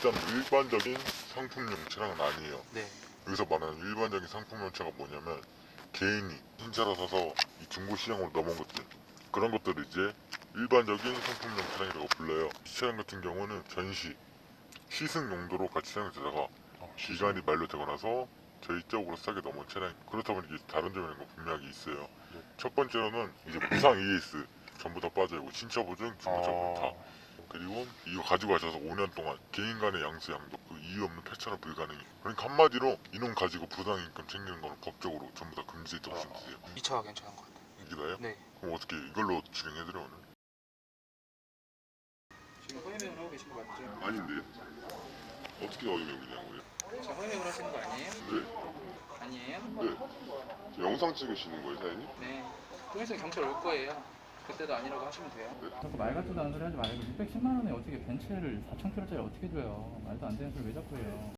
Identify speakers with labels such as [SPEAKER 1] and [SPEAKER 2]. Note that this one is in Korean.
[SPEAKER 1] 일단 일반적인 상품용 차량은 아니에요.
[SPEAKER 2] 네.
[SPEAKER 1] 여기서 말하는 일반적인 상품용 차가 뭐냐면 개인이 신차로 사서 이 중고 시장으로 넘어온 것들, 그런 것들을 이제 일반적인 상품용 차량이라고 불러요. 이 차량 같은 경우는 전시, 시승 용도로 같이 사용되다가 기간이 만료되고 나서 저희 쪽으로 싸게 넘어온 차량. 그렇다 보니 다른 점이 있는 거 분명히 있어요.
[SPEAKER 2] 네.
[SPEAKER 1] 첫 번째로는 이제 무상 ES 전부 다 빠져있고 신차 보증, 중고차 보증 다.
[SPEAKER 2] 어...
[SPEAKER 1] 그리고 이거 가지고 가셔서 5년 동안 개인 간의 양수 양도 그 이유 없는 폐차는 불가능해. 그러니까 한마디로 이놈 가지고 부당이익금 챙기는 거는 법적으로 전부 다 금지됐다고 보시면 되세요.
[SPEAKER 2] 이 차가 괜찮은 것 같아요.
[SPEAKER 1] 이게 다예요?
[SPEAKER 2] 네.
[SPEAKER 1] 그럼 어떻게 이걸로 진행해드려 오늘?
[SPEAKER 3] 지금 허위맹을 하고 계신 거 맞죠?
[SPEAKER 1] 아닌데 어떻게 어휘명이냐고요?
[SPEAKER 3] 지금 허위맹을 하시는 거 아니에요?
[SPEAKER 1] 네.
[SPEAKER 3] 아니에요?
[SPEAKER 1] 네. 영상 찍으시는 거예요, 사장님?
[SPEAKER 3] 네. 좀 있으면 경찰 올 거예요. 그때도 아니라고 하시면 돼요.
[SPEAKER 4] 자꾸 말 같지도 않은 소리 하지 말고 610만 원에 어떻게 벤츠를 4,000km짜리 어떻게 줘요? 말도 안 되는 소리 왜 자꾸 해요?